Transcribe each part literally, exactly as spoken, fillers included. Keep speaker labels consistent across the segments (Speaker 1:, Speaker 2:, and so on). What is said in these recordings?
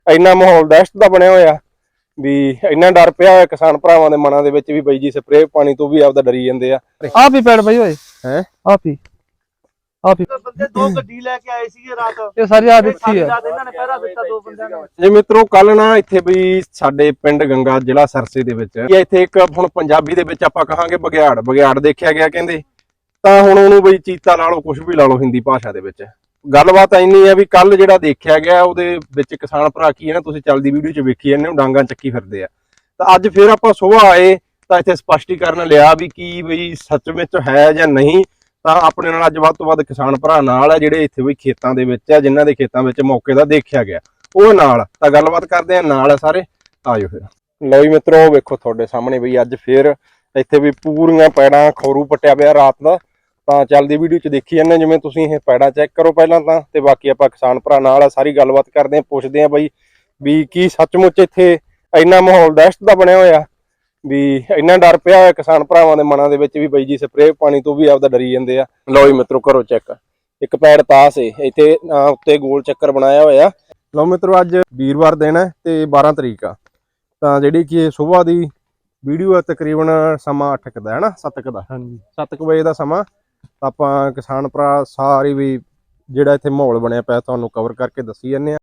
Speaker 1: ਇੰਨਾ ਮਾਹੌਲ ਦਹਿਸ਼ਤ ਦਾ ਬਣਿਆ ਹੋਇਆ ਵੀ ਇੰਨਾ ਡਰ ਪਿਆ ਹੋਇਆ ਕਿਸਾਨ ਭਰਾਵਾਂ ਦੇ ਮਨਾਂ ਦੇ ਵਿੱਚ ਵੀ ਬਈ ਜੀ ਸਪਰੇਅ ਪਾਣੀ ਤੋਂ ਵੀ ਆਪਦਾ ਡਰੀ ਜਾਂਦੇ ਆ।
Speaker 2: ਆਪ ਹੀ ਪੈੜ ਬਈ ਓਏ
Speaker 1: ਹੈ
Speaker 2: ਆਪ ਹੀ ਆਪ ਹੀ
Speaker 3: ਬੰਦੇ ਦੋ ਗੱਡੀ ਲੈ ਕੇ ਆਏ ਸੀਗੇ ਰਾਤ।
Speaker 2: ਇਹ ਸਾਰੀ ਰਾਤ ਇੱਥੇ ਆ।
Speaker 3: ਰਾਤ ਇਹਨਾਂ ਨੇ ਪਹਿਰਾ ਦਿੱਤਾ ਦੋ ਬੰਦਿਆਂ ਨੇ।
Speaker 1: ਜੀ ਮਿੱਤਰੋ ਕੱਲ ਨਾ ਇੱਥੇ ਬਈ ਸਾਡੇ ਪਿੰਡ ਗੰਗਾ ਜ਼ਿਲ੍ਹਾ ਸਰਸੇ ਦੇ ਵਿੱਚ ਇੱਥੇ ਇੱਕ ਹੁਣ ਪੰਜਾਬੀ ਦੇ ਵਿੱਚ ਆਪਾਂ ਕਹਾਂਗੇ ਬਗਿਆੜ ਬਗਿਆੜ ਦੇਖਿਆ ਗਿਆ ਕਹਿੰਦੇ, ਤਾਂ ਹੁਣ ਉਹਨੂੰ ਬਈ ਚੀਤਾ ਲਾ ਲਓ ਕੁਝ ਵੀ ਲਾ ਲਓ ਹਿੰਦੀ ਭਾਸ਼ਾ ਦੇ ਵਿੱਚ। ਗੱਲਬਾਤ ਇੰਨੀ ਆ ਵੀ ਕੱਲ ਜਿਹੜਾ ਦੇਖਿਆ ਗਿਆ ਉਹਦੇ ਵਿੱਚ ਕਿਸਾਨ ਭਰਾ ਕੀ ਹੈ ਨਾ, ਤੁਸੀਂ ਚੱਲਦੀ ਵੀਡੀਓ 'ਚ ਵੇਖੀ ਜਾਂਦੇ ਹੋ, ਡਾਂਗਾਂ ਚੱਕੀ ਫਿਰਦੇ ਆ। ਤਾਂ ਅੱਜ ਫਿਰ ਆਪਾਂ ਸੁਬਾਹ ਆਏ ਤਾਂ ਇੱਥੇ ਸਪਸ਼ਟੀਕਰਨ ਲਿਆ ਵੀ ਕੀ ਬਈ ਸੱਚ ਵਿੱਚ ਹੈ ਜਾਂ ਨਹੀਂ। ਤਾਂ ਆਪਣੇ ਨਾਲ ਅੱਜ ਵੱਧ ਤੋਂ ਵੱਧ ਕਿਸਾਨ ਭਰਾ ਨਾਲ ਆ ਜਿਹੜੇ ਇੱਥੇ ਬਈ ਖੇਤਾਂ ਦੇ ਵਿੱਚ ਆ, ਜਿਨ੍ਹਾਂ ਦੇ ਖੇਤਾਂ ਵਿੱਚ ਮੌਕੇ ਦਾ ਦੇਖਿਆ ਗਿਆ ਉਹ ਨਾਲ। ਤਾਂ ਗੱਲਬਾਤ ਕਰਦੇ ਆ ਨਾਲ ਸਾਰੇ, ਆਜੋ ਫਿਰ। ਲਓ ਜੀ ਮਿੱਤਰੋ, ਵੇਖੋ ਤੁਹਾਡੇ ਸਾਹਮਣੇ ਬਈ ਅੱਜ ਫਿਰ ਇੱਥੇ ਵੀ ਪੂਰੀਆਂ ਪੈੜਾਂ ਖੌਰੂ ਪੱਟਿਆ ਪਿਆ ਰਾਤ ਦਾ। ਤਾਂ ਚੱਲਦੀ ਵੀਡੀਓ 'ਚ ਦੇਖੀ ਜਾਂਦੇ ਜਿਵੇਂ ਤੁਸੀਂ ਇਹ ਪੈੜਾਂ ਚੈੱਕ ਕਰੋ ਪਹਿਲਾਂ ਤਾਂ, ਤੇ ਬਾਕੀ ਆਪਾਂ ਕਿਸਾਨ ਭਰਾ ਨਾਲ ਆ ਸਾਰੀ ਗੱਲਬਾਤ ਕਰਦੇ ਆ, ਪੁੱਛਦੇ ਆ ਬਈ ਵੀ ਕੀ ਸੱਚਮੁੱਚ ਇੱਥੇ ਇੰਨਾ ਮਾਹੌਲ ਦਹਿਸ਼ਤ ਦਾ ਬਣਿਆ ਹੋਇਆ ਵੀ ਇੰਨਾ ਡਰ ਪਿਆ ਹੋਇਆ ਕਿਸਾਨ ਭਰਾਵਾਂ ਦੇ ਮਨਾਂ ਦੇ ਵਿੱਚ ਵੀ ਬਈ ਜੀ ਸਪਰੇਅ ਪਾਣੀ ਤੋਂ ਵੀ ਆਪਦਾ ਡਰੀ ਜਾਂਦੇ ਆ। ਲਓ ਜੀ ਮਿੱਤਰੋ ਕਰੋ ਚੈੱਕ, ਇੱਕ ਪੈੜ ਤਾਸ ਏ ਇੱਥੇ ਉੱਤੇ ਗੋਲ ਚੱਕਰ ਬਣਾਇਆ ਹੋਇਆ। ਲਓ ਮਿੱਤਰੋ ਅੱਜ ਵੀਰਵਾਰ ਦਿਨ ਹੈ ਤੇ ਬਾਰਾਂ ਤਰੀਕ ਆ, ਤਾਂ ਜਿਹੜੀ ਕਿ ਸੁਬਾਹ ਦੀ ਵੀਡੀਓ ਹੈ ਤਕਰੀਬਨ ਸਮਾਂ ਅੱਠ ਕੁ ਦਾ ਹੈ ਨਾ, ਸੱਤ ਕੁ ਦਾ, ਹਾਂਜੀ ਸੱਤ ਕੁ ਵਜੇ ਦਾ ਸਮਾਂ। ਤਾਂ ਆਪਾਂ ਕਿਸਾਨ ਭਰਾ ਸਾਰੀ ਵੀ ਜਿਹੜਾ ਇੱਥੇ ਮਾਹੌਲ ਬਣਿਆ ਪਿਆ ਤੁਹਾਨੂੰ ਕਵਰ ਕਰਕੇ ਦੱਸੀ ਜਾਂਦੇ ਆ।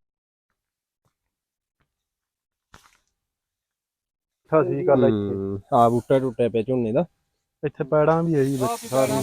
Speaker 2: ਸਹੀ ਗੱਲ ਹੈ। ਇੱਥੇ
Speaker 1: ਆ ਬੂਟਾ ਟੁੱਟਿਆ ਪਿਆ ਝੋਨੇ ਦਾ,
Speaker 2: ਇੱਥੇ ਪੈੜਾਂ ਵੀ ਹੈ ਜੀ ਸਾਰੀਆਂ।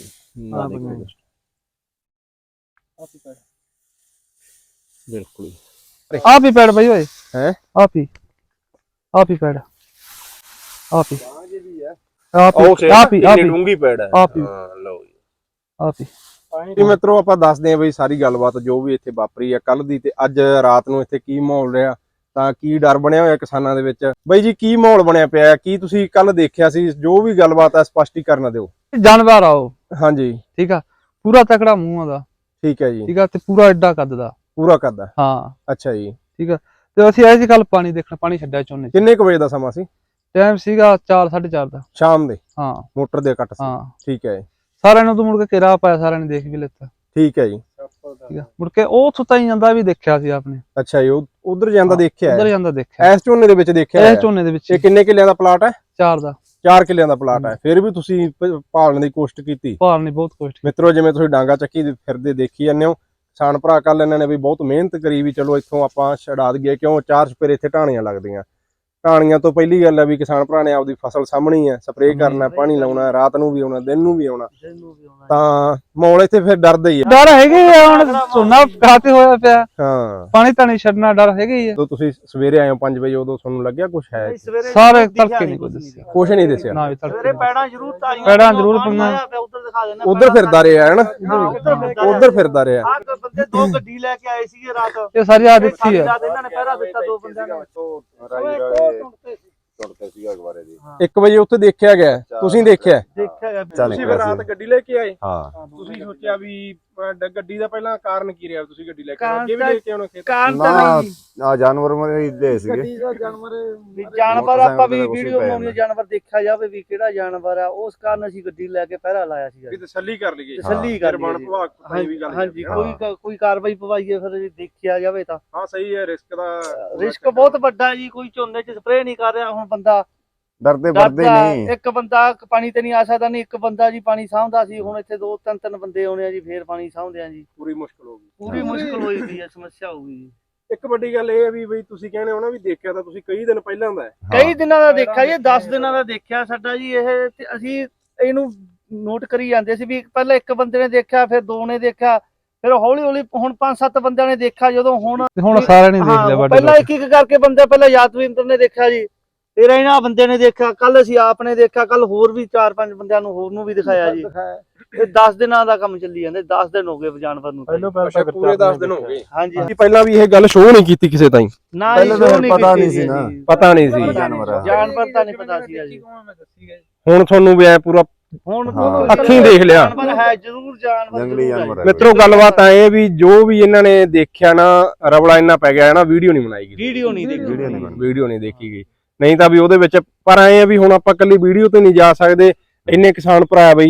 Speaker 1: ਬਿਲਕੁਲ
Speaker 2: ਆਪ ਹੀ ਪੈੜ ਬਈ ਓਏ
Speaker 1: ਹੈ
Speaker 2: ਆਪ ਹੀ ਆਪ ਹੀ ਪੈੜ ਆਪ ਹੀ
Speaker 1: ਆਪ
Speaker 2: ਹੀ ਆਪ ਹੀ ਆਪ ਹੀ
Speaker 1: ਡੂੰਗੀ ਪੈੜ ਹੈ।
Speaker 2: ਆਪ ਹੀ
Speaker 1: ਲਓ ਜੀ
Speaker 2: ਆਪ ਹੀ
Speaker 1: ਜੀ ਮਿੱਤਰੋ ਆਪਾਂ ਦੱਸਦੇ ਆ ਬਈ ਸਾਰੀ ਗੱਲਬਾਤ ਜੋ ਵੀ ਇੱਥੇ ਵਾਪਰੀ ਆ ਕੱਲ ਦੀ ਤੇ ਅੱਜ ਰਾਤ ਨੂੰ ਇੱਥੇ ਕੀ ਮਾਹੌਲ ਰਿਹਾ, ਤਾਂ ਕੀ ਡਰ ਬਣਿਆ ਹੋਇਆ ਕਿਸਾਨਾਂ ਦੇ ਵਿੱਚ। ਬਈ ਜੀ ਕੀ ਮਾਹੌਲ ਬਣਿਆ ਪਿਆ, ਕੀ ਤੁਸੀਂ ਕੱਲ ਦੇਖਿਆ ਸੀ, ਜੋ ਵੀ ਗੱਲਬਾਤ ਆ ਸਪਸ਼ਟੀਕਰਨ ਦਿਓ।
Speaker 2: ਜਾਨਵਰ ਆਓ
Speaker 1: ਹਾਂਜੀ
Speaker 2: ਠੀਕ ਆ, ਪੂਰਾ ਤਕੜਾ ਮੂੰਹ ਦਾ,
Speaker 1: ਠੀਕ ਹੈ ਜੀ,
Speaker 2: ਠੀਕ ਆ, ਤੇ ਪੂਰਾ ਐਡਾ ਕੱਦ ਦਾ,
Speaker 1: ਪੂਰਾ ਕੱਦ।
Speaker 2: ਹਾਂ
Speaker 1: ਅੱਛਾ ਜੀ,
Speaker 2: ਠੀਕ ਆ। ਤੇ ਅਸੀਂ ਆਏ ਸੀ ਕੱਲ ਪਾਣੀ ਦੇਖਣ, ਪਾਣੀ ਛੱਡਿਆ ਝੋਨੇ 'ਚ।
Speaker 1: ਕਿੰਨੇ ਕੁ ਵਜੇ ਦਾ ਸਮਾਂ ਸੀ?
Speaker 2: ਟਾਈਮ ਸੀਗਾ ਚਾਰ ਸਾਢੇ ਚਾਰ ਦਾ
Speaker 1: ਸ਼ਾਮ ਦੇ,
Speaker 2: ਹਾਂ
Speaker 1: ਮੋਟਰ ਦੇ ਕੱਟ ਸੀ,
Speaker 2: ਹਾਂ।
Speaker 1: ਠੀਕ ਹੈ।
Speaker 2: ਸਾਰਿਆਂ ਨੂੰ ਤਾਂ ਮੁੜ ਕੇ ਘੇਰਾ ਪਾਇਆ, ਸਾਰਿਆਂ ਨੇ ਦੇਖ ਵੀ ਲਿੱਤਾ,
Speaker 1: ਠੀਕ ਹੈ ਜੀ,
Speaker 2: ਠੀਕ ਆ। ਮੁੜ ਕੇ ਉਹ ਸੁੱਤਾ ਹੀ ਜਾਂਦਾ ਵੀ ਦੇਖਿਆ ਸੀ ਆਪਨੇ।
Speaker 1: ਅੱਛਾ ਜੀ, ਉਧਰ ਜਾਂਦਾ ਦੇਖਿਆ,
Speaker 2: ਉਧਰ ਜਾਂਦਾ ਦੇਖਿਆ,
Speaker 1: ਇਸ ਝੋਨੇ ਦੇ ਵਿੱਚ ਦੇਖਿਆ।
Speaker 2: ਇਸ ਝੋਨੇ ਦੇ ਵਿੱਚ।
Speaker 1: ਇਹ ਕਿੰਨੇ ਕਿੱਲਿਆਂ ਦਾ ਪਲਾਟ ਹੈ?
Speaker 2: ਚਾਰ ਦਾ।
Speaker 1: ਚਾਰ ਕਿੱਲਿਆਂ ਦਾ ਪਲਾਟ ਹੈ, ਫਿਰ ਵੀ ਤੁਸੀਂ ਭਾਲਣ ਦੀ ਕੋਸ਼ਿਸ਼ ਕੀਤੀ?
Speaker 2: ਭਾਲਣ ਦੀ ਬਹੁਤ ਕੋਸ਼ਿਸ਼
Speaker 1: ਮਿੱਤਰੋ ਜਿਵੇਂ ਤੁਸੀਂ ਡਾਂਗਾ ਚੱਕੀ ਫਿਰਦੇ ਦੇਖੀ ਜਾਂਦੇ ਹੋ, ਕਿਸਾਨ ਭਰਾ ਕੱਲ ਇਹਨਾਂ ਨੇ ਵੀ ਬਹੁਤ ਮਿਹਨਤ ਕਰੀ ਵੀ ਚਲੋ ਇੱਥੋਂ ਆਪਾਂ ਛਡਾ ਦਈਏ, ਕਿਉਂ ਚਾਰ ਚਪੇਰੇ ਇੱਥੇ ਢਾਣੀਆਂ ਲੱਗਦੀਆਂ। ਢਾਣੀਆਂ ਤੋਂ ਪਹਿਲੀ ਗੱਲ ਹੈ ਵੀ ਕਿਸਾਨ ਭਰਾ ਨੇ ਆਪਦੀ ਫਸਲ ਸਾਹਮਣੀ ਹੈ, ਸਪਰੇਅ ਕਰਨਾ, ਪਾਣੀ ਲਾਉਣਾ, ਰਾਤ ਨੂੰ ਵੀ ਆਉਣਾ, ਦਿਨ ਨੂੰ ਵੀ ਆਉਣਾ, ਤਾਂ ਮਾਹੌਲ ਇੱਥੇ ਫਿਰ ਡਰਦਾ ਹੀ ਹੈ।
Speaker 2: ਡਰ ਹੈਗਾ ਹੀ ਆ, ਹੁਣ ਝੋਨਾ ਖਾਤੇ ਹੋਇਆ ਪਿਆ,
Speaker 1: ਹਾਂ
Speaker 2: ਪਾਣੀ ਤਾਂ ਨਹੀਂ ਛੱਡਣਾ, ਡਰ ਹੈਗਾ ਹੀ ਆ।
Speaker 1: ਜਦੋਂ ਤੁਸੀਂ ਸਵੇਰੇ ਆਏ ਹੋ ਪੰਜ ਵਜੇ, ਉਦੋਂ ਤੁਹਾਨੂੰ ਲੱਗਿਆ ਕੁਛ ਹੈ?
Speaker 2: ਸਾਰੇ ਤੜਕੇ ਨਹੀਂ ਕੋਈ ਦੱਸਿਆ,
Speaker 1: ਕੁਛ ਨਹੀਂ ਦੱਸਿਆ
Speaker 2: ਨਾ ਵੀ ਤੜਕੇ।
Speaker 3: ਪੈੜਾਂ ਜ਼ਰੂਰ ਤਾਰੀਆਂ,
Speaker 2: ਪੈੜਾਂ ਜ਼ਰੂਰ ਪਈਆਂ,
Speaker 3: ਉਧਰ ਦਿਖਾ ਦੇਣਾ,
Speaker 1: ਉਧਰ ਫਿਰਦਾ ਰਿਹਾ ਹੈ ਨਾ, ਉਧਰ ਫਿਰਦਾ ਰਿਹਾ।
Speaker 3: ਆਹ ਬੰਦੇ ਦੋ ਗੱਡੀ ਲੈ ਕੇ ਆਏ ਸੀਗੇ ਰਾਤ।
Speaker 2: ਇਹ ਸਾਰੀ ਰਾਤ ਇੱਥੇ ਆ।
Speaker 3: ਰਾਤ ਇਹਨਾਂ ਨੇ ਪਹਿਰਾ ਦਿੱਤਾ ਦੋ ਬੰਦਿਆਂ ਨੇ।
Speaker 1: ਇੱਕ ਵਜੇ ਉੱਥੇ ਦੇਖਿਆ ਗਿਆ, ਤੁਸੀਂ ਦੇਖਿਆ?
Speaker 3: ਦੇਖਿਆ ਗਿਆ।
Speaker 1: ਤੁਸੀਂ ਫਿਰ ਰਾਤ ਗੱਡੀ ਲੈ ਕੇ ਆਏ?
Speaker 4: ਹਾਂ।
Speaker 1: ਤੁਸੀਂ ਸੋਚਿਆ ਵੀ ਗੱਡੀ ਦਾ ਪਹਿਲਾਂ ਕਾਰਨ ਕੀ ਰਿਹਾ, ਤੁਸੀਂ ਗੱਡੀ ਲੈ ਕੇ ਆਏ? ਅੱਗੇ ਵੀ ਲੈ ਕੇ ਆਉਣਾ ਖੇਤ?
Speaker 3: ਕਾਰਨ ਤਾਂ ਨਹੀਂ
Speaker 4: ਆ ਜਾਨਵਰ ਮਰੇ ਦੇ ਸੀਗੇ।
Speaker 3: ਗੱਡੀ ਦਾ ਜਾਨਵਰ ਵੀ ਜਾਨਵਰ ਆਪਾਂ ਵੀ ਵੀਡੀਓ ਬਣਾਉਣੀ, ਜਾਨਵਰ ਦੇਖਿਆ ਜਾਵੇ ਵੀ ਕਿਹੜਾ ਜਾਨਵਰ ਆ, ਉਸ ਕਾਰਨ ਅਸੀਂ ਗੱਡੀ ਲੈ ਕੇ ਪਹਿਰਾ ਲਾਇਆ ਸੀਗਾ।
Speaker 1: ਵੀ ਤਸੱਲੀ ਕਰ ਲਈਏ,
Speaker 3: ਤਸੱਲੀ ਕਰ
Speaker 1: ਬਣ ਵਿਭਾਗ ਪਤਾ ਵੀ ਗੱਲ।
Speaker 3: ਹਾਂਜੀ, ਕੋਈ ਕੋਈ ਕਾਰਵਾਈ ਪਵਾਈਏ ਫਿਰ ਦੇਖਿਆ ਜਾਵੇ ਤਾਂ।
Speaker 1: ਹਾਂ ਸਹੀ ਹੈ, ਰਿਸਕ ਦਾ
Speaker 3: ਰਿਸਕ ਬਹੁਤ ਵੱਡਾ ਜੀ, ਕੋਈ ਝੋਨੇ 'ਚ ਸਪਰੇਅ ਨਹੀਂ ਕਰ ਰਿਹਾ। ਹੁਣ ਬੰਦਾ
Speaker 4: ਡਰਦੇ ਵਰਦੇ ਨਹੀਂ,
Speaker 3: ਇੱਕ ਬੰਦਾ ਪਾਣੀ ਤੇ ਨਹੀਂ ਆ ਸਕਦਾ, ਨਹੀਂ ਇੱਕ ਬੰਦਾ ਜੀ ਪਾਣੀ ਸਾਂਭਦਾ ਸੀ, ਹੁਣ ਇੱਥੇ ਦੋ ਤਿੰਨ ਤਿੰਨ ਬੰਦੇ ਆਉਣੇ ਆ ਜੀ, ਫੇਰ ਪਾਣੀ ਸਾਂਭਦੇ ਆ ਜੀ।
Speaker 1: ਪੂਰੀ ਮੁਸ਼ਕਲ ਹੋ ਗਈ,
Speaker 3: ਪੂਰੀ ਮੁਸ਼ਕਲ ਹੋਈ ਪਈ ਹੈ, ਸਮੱਸਿਆ ਹੋ ਗਈ ਜੀ।
Speaker 1: ਇੱਕ ਵੱਡੀ ਗੱਲ ਇਹ ਹੈ ਵੀ ਬਈ ਤੁਸੀਂ ਕਹਿੰਦੇ ਹੋ ਨਾ ਵੀ ਦੇਖਿਆ ਤਾਂ ਤੁਸੀਂ ਕਈ ਦਿਨ ਪਹਿਲਾਂ ਦਾ ਹੈ।
Speaker 3: ਕਈ ਦਿਨਾਂ ਦਾ ਦੇਖਿਆ ਜੀ, ਦਸ ਦਿਨਾਂ ਦਾ ਦੇਖਿਆ ਸਾਡਾ ਜੀ ਇਹ, ਤੇ ਅਸੀਂ ਇਹਨੂੰ ਨੋਟ ਕਰੀ ਜਾਂਦੇ ਸੀ ਵੀ ਪਹਿਲਾਂ ਇੱਕ ਬੰਦੇ ਨੇ ਦੇਖਿਆ, ਫਿਰ ਦੋ ਨੇ ਦੇਖਿਆ, ਫਿਰ ਹੌਲੀ ਹੌਲੀ ਹੁਣ ਪੰਜ ਸੱਤ ਬੰਦਿਆਂ ਨੇ ਦੇਖਿਆ। ਜਦੋਂ ਹੁਣ
Speaker 2: ਹੁਣ ਸਾਰਿਆਂ ਨੇ ਦੇਖ ਲਿਆ,
Speaker 3: ਪਹਿਲਾਂ ਇੱਕ ਇੱਕ ਕਰਕੇ ਬੰਦੇ, ਪਹਿਲਾਂ ਯਾਦਵਿੰਦਰ ਨੇ ਦੇਖਿਆ ਜੀ, ਫਿਰ ਇਹਨਾਂ ਬੰਦੇ ਨੇ ਦੇਖਿਆ, ਕੱਲ ਅਸੀਂ ਆਪ ਨੇ ਦੇਖਿਆ, ਕੱਲ ਹੋਰ ਵੀ ਚਾਰ ਪੰਜ ਬੰਦਿਆਂ ਨੂੰ ਹੋਰ ਨੂੰ ਵੀ ਦਿਖਾਇਆ ਜੀ। ਇਹ ਦਸ ਦਿਨਾਂ ਦਾ ਕੰਮ ਚੱਲੀ ਜਾਂਦਾ, ਦਸ ਦਿਨ ਹੋ ਗਏ ਜਾਨਵਰ ਨੂੰ।
Speaker 1: ਅੱਛਾ, ਪੂਰੇ ਦਸ ਦਿਨ ਹੋ ਗਏ।
Speaker 3: ਹਾਂਜੀ,
Speaker 1: ਪਹਿਲਾਂ ਵੀ ਇਹ ਗੱਲ ਸ਼ੋਅ ਨਹੀਂ ਕੀਤੀ ਕਿਸੇ ਤਾਈਂ?
Speaker 3: ਨਾ
Speaker 4: ਪਹਿਲਾਂ ਤਾਂ ਪਤਾ ਨਹੀਂ ਸੀ ਨਾ,
Speaker 1: ਪਤਾ ਨਹੀਂ ਸੀ
Speaker 4: ਜਾਨਵਰ
Speaker 3: ਜਾਨਵਰ ਤਾਂ ਨਹੀਂ ਪਤਾ ਸੀ ਜੀ।
Speaker 1: ਹੁਣ ਤੁਹਾਨੂੰ ਵੀ ਐ ਪੂਰਾ
Speaker 3: ਹੁਣ
Speaker 1: ਅੱਖੀਂ ਦੇਖ ਲਿਆ,
Speaker 3: ਜਾਨਵਰ ਹੈ ਜ਼ਰੂਰ, ਜਾਨਵਰ
Speaker 4: ਜੰਗਲੀ ਜਾਨਵਰ ਹੈ।
Speaker 1: ਮਿੱਤਰੋ ਗੱਲਬਾਤ ਐ ਵੀ ਜੋ ਵੀ ਇਹਨਾਂ ਨੇ ਦੇਖਿਆ ਨਾ, ਰਵਲਾ ਇੰਨਾ ਪੈ ਗਿਆ ਨਾ, ਵੀਡੀਓ ਨਹੀਂ ਬਣਾਈ ਗਈ,
Speaker 3: ਵੀਡੀਓ ਨਹੀਂ ਦੇਖੀ,
Speaker 1: ਵੀਡੀਓ ਨਹੀਂ ਦੇਖੀ ਗਈ। ਨਹੀਂ ਤਾਂ ਵੀ ਉਹਦੇ ਵਿੱਚ ਪਰ ਐ ਆ ਵੀ ਹੁਣ ਆਪਾਂ ਕੱਲੀ ਵੀਡੀਓ ਤੇ ਨਹੀਂ ਜਾ ਸਕਦੇ, ਇੰਨੇ ਕਿਸਾਨ ਭਰਾ ਬਈ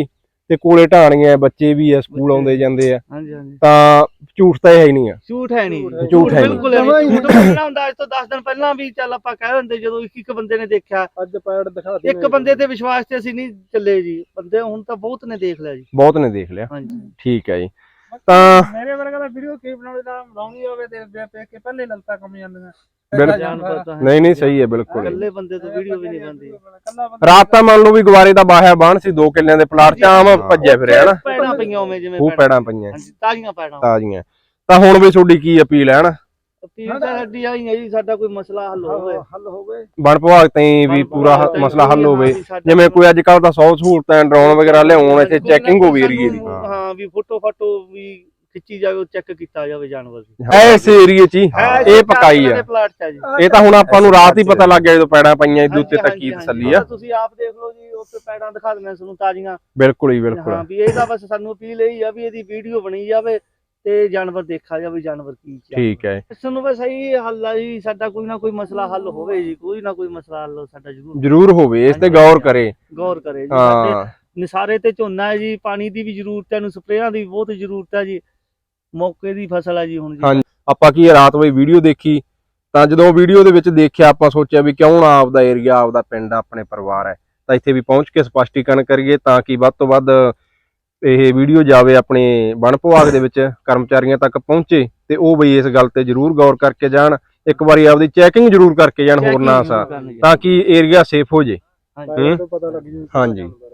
Speaker 1: ਤੇ ਕੋਲੇ ਢਾਣੀਆਂ ਬੱਚੇ ਵੀ ਆ ਸਕੂਲ ਆਉਂਦੇ ਜਾਂਦੇ ਆ
Speaker 3: ਹਾਂਜੀ ਹਾਂਜੀ
Speaker 1: ਤਾਂ ਝੂਠ ਤਾਂ ਇਹ ਹੈ ਹੀ ਨਹੀਂ ਆ।
Speaker 3: ਝੂਠ ਹੈ ਨਹੀਂ
Speaker 1: ਝੂਠ ਹੈ ਨੀ।
Speaker 3: ਬਿਲਕੁਲ ਹੈ ਨਹੀਂ। ਝੂਠ ਪਹਿਲਾਂ ਹੁੰਦਾ, ਅੱਜ ਤੋਂ ਦਸ ਦਿਨ ਪਹਿਲਾਂ ਵੀ ਚੱਲ ਆਪਾਂ ਕਹਿ ਦਿੰਦੇ, ਜਦੋਂ ਇੱਕ ਇੱਕ ਬੰਦੇ ਨੇ ਦੇਖਿਆ,
Speaker 2: ਅੱਜ ਪੈੜ ਦਿਖਾ
Speaker 3: ਇੱਕ ਬੰਦੇ ਤੇ ਵਿਸ਼ਵਾਸ ਤੇ ਅਸੀਂ ਨਹੀਂ ਚੱਲੇ ਜੀ, ਬੰਦੇ ਹੁਣ ਤਾਂ ਬਹੁਤ ਨੇ ਦੇਖ ਲਿਆ ਜੀ।
Speaker 1: ਬਹੁਤ ਨੇ ਦੇਖ ਲਿਆ।
Speaker 3: ਹਾਂਜੀ
Speaker 1: ਠੀਕ ਹੈ ਜੀ। ਤਾਂ
Speaker 2: ਮੇਰੇ ਵਰਗਾ ਦਾ ਵੀਡੀਓ ਕੀ ਬਣਾਉਣੇ ਦਾ ਬਣਾਉਣੀ ਹੋਵੇ ਤੇ ਦੇਖ ਕੇ ਪਹਿਲੇ ਲਲਤਾ ਕੰਮ ਜਾਂਦੀਆਂ।
Speaker 1: ਬਿਲਕੁਲ ਨਹੀਂ ਨਹੀਂ ਸਹੀ ਹੈ ਬਿਲਕੁਲ।
Speaker 3: ਇਕੱਲੇ ਬੰਦੇ ਤੋਂ ਵੀਡੀਓ ਵੀ ਨਹੀਂ ਬਣਦੀ।
Speaker 1: ਰਾਤ ਤਾਂ ਮੰਨ ਲਓ ਵੀ ਗਵਾਰੇ ਦਾ ਬਾਹਿਆ ਬਾਣ ਸੀ, ਦੋ ਕਿੱਲਿਆਂ ਦੇ ਪਲਾਟ ਚ ਆਮ ਭੱਜਿਆ ਫਿਰਿਆ ਨਾ,
Speaker 3: ਪੈੜਾਂ ਪਈਆਂ ਉਵੇਂ ਜਿਵੇਂ
Speaker 1: ਉਹ ਪੈੜਾਂ ਪਈਆਂ
Speaker 3: ਹਾਂਜੀ, ਤਾਜ਼ੀਆਂ ਪੈੜਾਂ।
Speaker 1: ਤਾਜ਼ੀਆਂ। ਤਾਂ ਹੁਣ ਵੀ ਤੁਹਾਡੀ ਕੀ ਅਪੀਲ ਹੈ ਨਾ,
Speaker 3: ਅਪੀਲ ਤਾਂ ਸਾਡੀ ਆਈ ਹੈ ਜੀ, ਸਾਡਾ ਕੋਈ ਮਸਲਾ ਹੱਲ ਹੋਵੇ
Speaker 2: ਹੱਲ ਹੋਵੇ
Speaker 1: ਵਣ ਵਿਭਾਗ ਤਾਈਂ ਵੀ ਪੂਰਾ ਹ- ਮਸਲਾ ਹੱਲ ਹੋਵੇ। ਜਿਵੇਂ ਕੋਈ ਅੱਜ ਕੱਲ ਤਾਂ ਸੌ ਸਹੂਲਤਾਂ ਡਰੋਨ ਵਗੈਰਾ ਲਿਆਉਣ, ਇੱਥੇ ਚੈਕਿੰਗ ਹੋਵੇ ਏਰੀਏ ਦੀ।
Speaker 3: ਹਾਂ ਵੀ ਫੋਟੋ ਫਾਟੋ ਵੀ ਖਿੱਚੀ ਜਾਵੇ, ਚੈੱਕ ਕੀਤਾ ਜਾਵੇ ਜਾਨਵਰ ਦੀ।
Speaker 1: ਐਸ ਏਰੀਏ ਚ ਹੀ ਇਹ ਪਕਾਈ ਆ।
Speaker 3: ਪਲਾਟ ਚ ਆ ਜੀ।
Speaker 1: ਇਹ ਤਾਂ ਹੁਣ ਆਪਾਂ ਨੂੰ ਰਾਤ ਹੀ ਪਤਾ ਲੱਗ ਗਿਆ ਜਦੋਂ ਪੈੜਾਂ ਪਈਆਂ, ਇਹਦੇ ਉੱਤੇ ਤਾਂ ਕੀ ਤਸੱਲੀ ਆ।
Speaker 3: ਤੁਸੀਂ ਆਪ ਦੇਖ ਲਓ ਜੀ, ਉੱਤੇ ਪੈੜਾਂ ਦਿਖਾ ਦਿੰਦੇ ਤੁਹਾਨੂੰ ਤਾਜ਼ੀਆਂ।
Speaker 1: ਬਿਲਕੁਲ ਹੀ ਬਿਲਕੁਲ।
Speaker 3: ਹਾਂ ਵੀ ਇਹਦਾ ਬਸ ਸਾਨੂੰ ਅਪੀਲ ਇਹੀ ਆ ਵੀ ਇਹਦੀ ਵੀਡੀਓ ਬਣੀ ਜਾਵੇ ਤੇ ਜਾਨਵਰ ਦੇਖਾ ਜਾਵੇ, ਜਾਨਵਰ ਕੀ ਚ।
Speaker 1: ਠੀਕ ਹੈ।
Speaker 3: ਸਾਨੂੰ ਬਸ ਇਹੀ ਹੱਲ ਆ ਜੀ, ਸਾਡਾ ਕੋਈ ਨਾ ਕੋਈ ਮਸਲਾ ਹੱਲ ਹੋਵੇ ਜੀ, ਕੋਈ ਨਾ ਕੋਈ ਮਸਲਾ ਹੱਲ ਸਾਡਾ ਜ਼ਰੂਰ
Speaker 1: ਜ਼ਰੂਰ ਹੋਵੇ, ਇਸ ਤੇ ਗੌਰ ਕਰੇ।
Speaker 3: ਗੌਰ ਕਰੇ ਜੀ।
Speaker 1: ਹਾਂ
Speaker 3: ਸਾਡੇ ਨਿਸਾਰੇ ਤੇ ਝੋਨਾ ਹੈ ਜੀ, ਪਾਣੀ ਦੀ ਵੀ ਜ਼ਰੂਰਤ ਹੈ, ਨੂੰ ਸਪਰੇਆਂ ਦੀ ਬਹੁਤ ਜ਼ਰੂਰਤ ਹੈ ਜੀ, ਮੌਕੇ ਦੀ ਫਸਲ ਹੈ ਜੀ ਹੁਣ ਜੀ।
Speaker 1: ਹਾਂਜੀ, ਆਪਾਂ ਕੀ ਰਾਤ ਵੇ ਵੀਡੀਓ ਦੇਖੀ, ਤਾਂ ਜਦੋਂ ਵੀਡੀਓ ਦੇ ਵਿੱਚ ਦੇਖਿਆ ਆਪਾਂ ਸੋਚਿਆ ਵੀ ਕਿਉਂ ਨਾ ਆਪਦਾ ਏਰੀਆ, ਆਪਦਾ ਪਿੰਡ, ਆਪਣੇ ਪਰਿਵਾਰ ਹੈ, ਤਾਂ ਇੱਥੇ ਵੀ ਪਹੁੰਚ ਕੇ ਸਪਸ਼ਟੀਕਰਨ ਕਰੀਏ ਤਾਂ ਕਿ ਵੱਧ ਤੋਂ ਵੱਧ ਇਹ ਵੀਡੀਓ ਜਾਵੇ ਆਪਣੇ ਵਣ ਵਿਭਾਗ ਦੇ ਵਿੱਚ ਕਰਮਚਾਰੀਆਂ ਤੱਕ ਪਹੁੰਚੇ ਤੇ ਉਹ ਬਈ ਇਸ ਗੱਲ ਤੇ ਜ਼ਰੂਰ ਗੌਰ ਕਰਕੇ ਜਾਣ, ਇੱਕ ਵਾਰੀ ਆਪਦੀ ਚੈਕਿੰਗ ਜ਼ਰੂਰ ਕਰਕੇ ਜਾਣ ਹੋਰ ਨਾ ਸਾ, ਤਾਂ ਕਿ ਏਰੀਆ ਸੇਫ ਹੋ ਜੇ।
Speaker 3: ਹਾਂਜੀ
Speaker 2: ਪਤਾ ਲੱਗ ਜੂ।
Speaker 1: ਹਾਂਜੀ।